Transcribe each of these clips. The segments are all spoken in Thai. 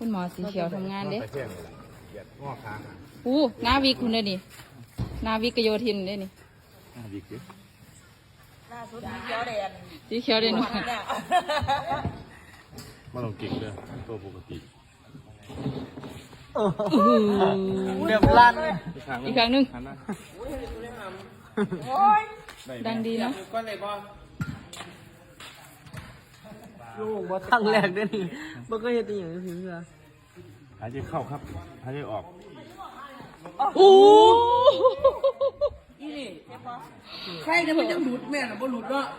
คุณหมอสีเขียวทำงานเด้ไปเที่ยงเลยเหยียดงอค้างอ่ะนาวิกคุณเด้นี่นาวิกโยธินเด้นี่ดีกิ๊บล่าสุดมีเขียวแดงสีเขียวเด้หนูเนี่ยมาลงกิ่งเลยตัวปกติเดือบลั่นอีกครั้งหนึงหันหน้าโอ้ยดังดีเนาะก็เลยบอลูกบ่ตั้งแรกได้นี่บ่ก็เฮ็ดอีหยังถึงเพื่อหายใจเข้าครับหายใจออกโอ้อีนี่ใครเนี่ยมันจะหลุดแม่น่ะบ่หลุดเนาะ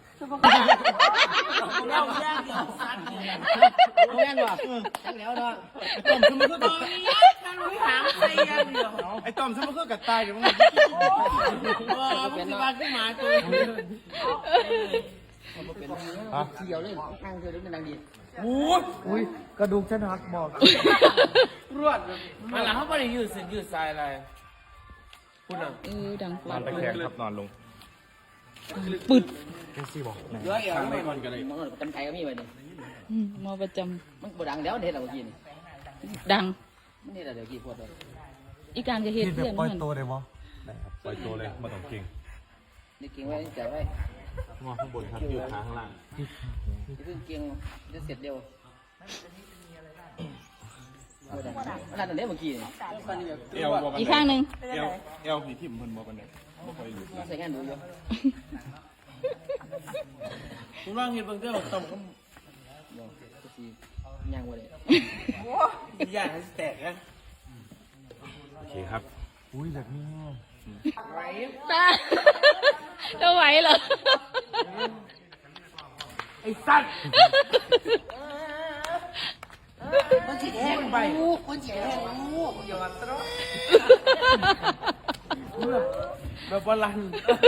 แล้วแย่งเดียวสั่นแย่งว่ะจังแล้วเนาะต้มคือมันก็ตอนนี้ฉันรู้หางใส่อย่างเดียวไอ้ต้อมฉันมันก็กัดตายอยู่มั้งเป็นบ้านขึ้นมาตัวเกี่ยวเลยนั่งเธอรู้เป็นนางดีอุ้ยกระดูกฉันหักบอกรวดมาหลังเขาไม่ได้ยืดเส้นยืดสายอะไรคุณอ่ะดังปนวอนดตะแคงครับนอนลงปึดแค่ซี่บอกเดี๋ยวเอาไปก่อนกันเลยมันกันไกลก็มีไปดิหมอประจมันบ่ดังแล้วเด็ดเรากินำดังมันนี่แหละเดี๋ยวกี่พวดเลยอีการจะเฮ็ดนี่แบเพื่บอนปล่อยเหมือนตัวได้บ่ได้ครับปล่อยตัวเลยมาต้องกิ่งนี่เก่งไว้ใจไว้งอข้างบนครับยืดขาข้างล่างนี่เพิ่งเก่งจะเสร็จเร็วขนาดนี้เมื่อกี้เอวบอกกันอีกข้างหนึงเอวผีทิ่มเพิ่นบอกกันเลยบ่ค่อยหลุดใส่งานดูอยู่คุณว่าเงินบางเรื่องต่ำก็ก็สีย่างไว้เลยย่างให้แตกนะโอเคครับอุ้ยแบบนี้ตาจะไหวเหรอไอ้สัตว์มันฉีดแห้งไปมันฉีดแห้งอย่ามาตรอแบบบอลลัน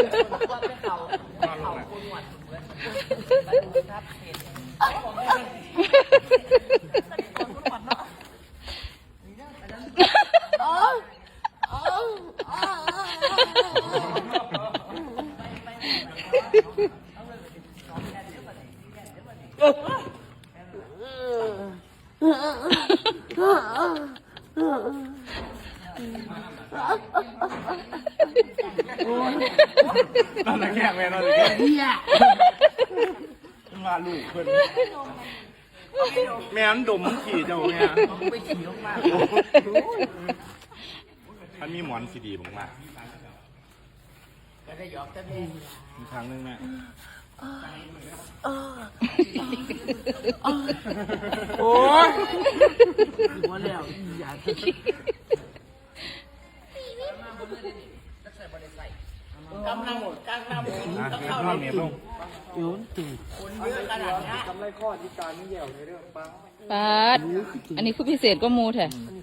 นอนตะแคงแม่นอนตะแคงมาลูกเพิ่นแม่มันดมขี่เจ้าแม่ไปขี่ลงมามันมีหมอนซีดีมากจะได้หยอกจะมีๆมีครั้งนึงแม่โอ้ยหัวแล้วอย่า กำลังหมดกำลังหมดนะนอนเมียลงอยู่ตื่นคนเยอะขนาดนี้กำไรข้อที่การนี่แย่ในเรื่องปังปาดอันนี้คือพิเศษก็มูแท้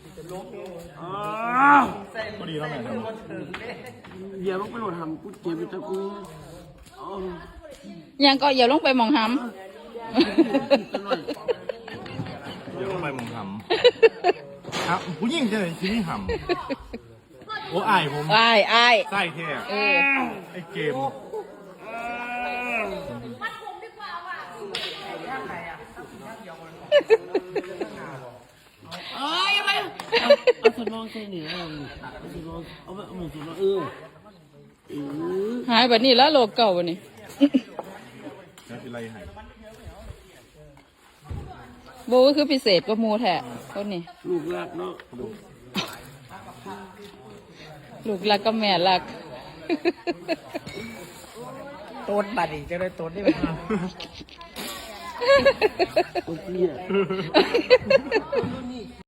พอดีแล้วแม่ครับเดี๋ยวต้องไปโหลดทำกูเจ็บตะกูยังก็อย่าลงไปหมองหเดี๋ยวต้องไปมองหำครับผู้หญิงจะไหนชิ้นหำโอ้อายผมำอ้ายอ้ายไส้แท้เออไอ้เกมเอ้ยไปเอาสนองใส่เหนือเอาสนองเอาไปเอาหมูสนองหายแบบนี้แล้วโลกเก่าวันนี้แล้วเป็นไรหายโบก็คือพิเศษก็มูแท้คนนี้ลูกรักเนาะลูกรักก็แม่รักต้นบัดอีกจะได้ต้นได้ไหมต้นเตี้ย